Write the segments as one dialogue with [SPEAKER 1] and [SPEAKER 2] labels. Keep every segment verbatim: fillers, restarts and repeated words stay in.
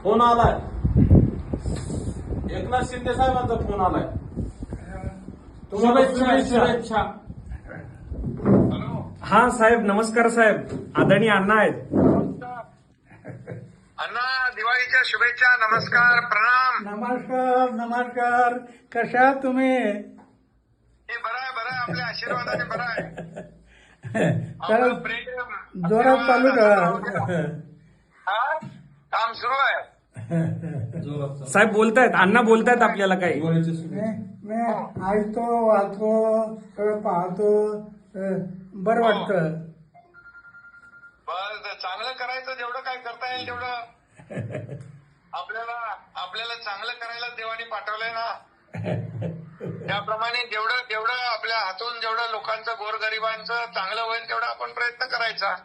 [SPEAKER 1] Phone आलाय. एकनाथ शिंदे साहेबांचा phone आलाय. तुम्हाला शुभेच्छा.
[SPEAKER 2] शुभेच्छा.
[SPEAKER 3] हा साहेब, नमस्कार साहेब. आदरणीय अण्णा आहेत.
[SPEAKER 4] अण्णा, दिवाळीच्या शुभेच्छा. नमस्कार, प्रणाम.
[SPEAKER 2] नमस्कार नमस्कार. कशा आहात तुम्ही?
[SPEAKER 4] हे बरं आहे, बरं आहे. आपल्या आशीर्वादाने बरं आहे.
[SPEAKER 2] तर
[SPEAKER 4] आपलं प्रेम,
[SPEAKER 2] जोरात चालू
[SPEAKER 4] आशीर्वाद,
[SPEAKER 2] ठेवा.
[SPEAKER 4] हा? काम सुरू आहे.
[SPEAKER 3] साहेब बोलतायत, अण्णा बोलतायत आपल्याला काही.
[SPEAKER 2] मी मी ऐकतो, वाचतो, सगळं पाहतो. अं, बरं वाटतं.
[SPEAKER 4] बस चांगलं करायचं, जेवढं काय करता येईल तेवढं. आपल्याला आपल्याला चांगलं करायला देवाने पाठवलंय ना. त्याप्रमाणे जेवढं जेवढं आपल्या हातून जेवढं लोकांचं, गोरगरिबांचं चांगलं होईल तेवढा आपण प्रयत्न करायचा.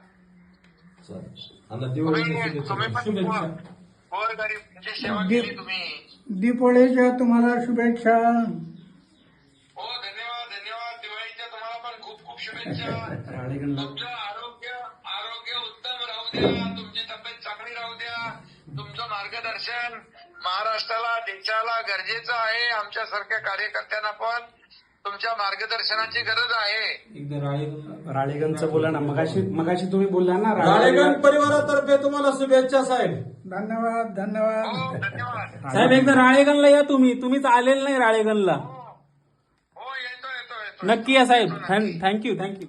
[SPEAKER 4] तुम्ही तुम्ही पण गोरगरिबांची सेवा केली तुम्ही.
[SPEAKER 2] दीपोळीच्या तुम्हाला शुभेच्छा.
[SPEAKER 4] हो, धन्यवाद धन्यवाद. दिवाळीच्या तुम्हाला पण खूप खूप शुभेच्छा. तुमचं आरोग्य आरोग्य उत्तम राहू द्या. तुमची तब्येत चांगली राहू द्या. तुमचं मार्गदर्शन महाराष्ट्राला, देशाला गरजेचं आहे. आमच्यासारख्या कार्यकर्त्यांना पण तुमच्या मार्गदर्शनाची गरज आहे.
[SPEAKER 3] राळेगणचं बोला ना. मगाशी मगाशी तुम्ही बोलला ना.
[SPEAKER 1] राळेगण परिवारातर्फे तुम्हाला शुभेच्छा साहेब.
[SPEAKER 2] धन्यवाद
[SPEAKER 4] हो,
[SPEAKER 2] धन्यवाद.
[SPEAKER 4] धन्यवाद.
[SPEAKER 5] साहेब एकदा राळेगणला या तुम्ही. तुम्हीच आलेलं नाही राळेगणला.
[SPEAKER 4] हो, येतो येतो येतो.
[SPEAKER 5] नक्की या साहेब. Thank you thank you.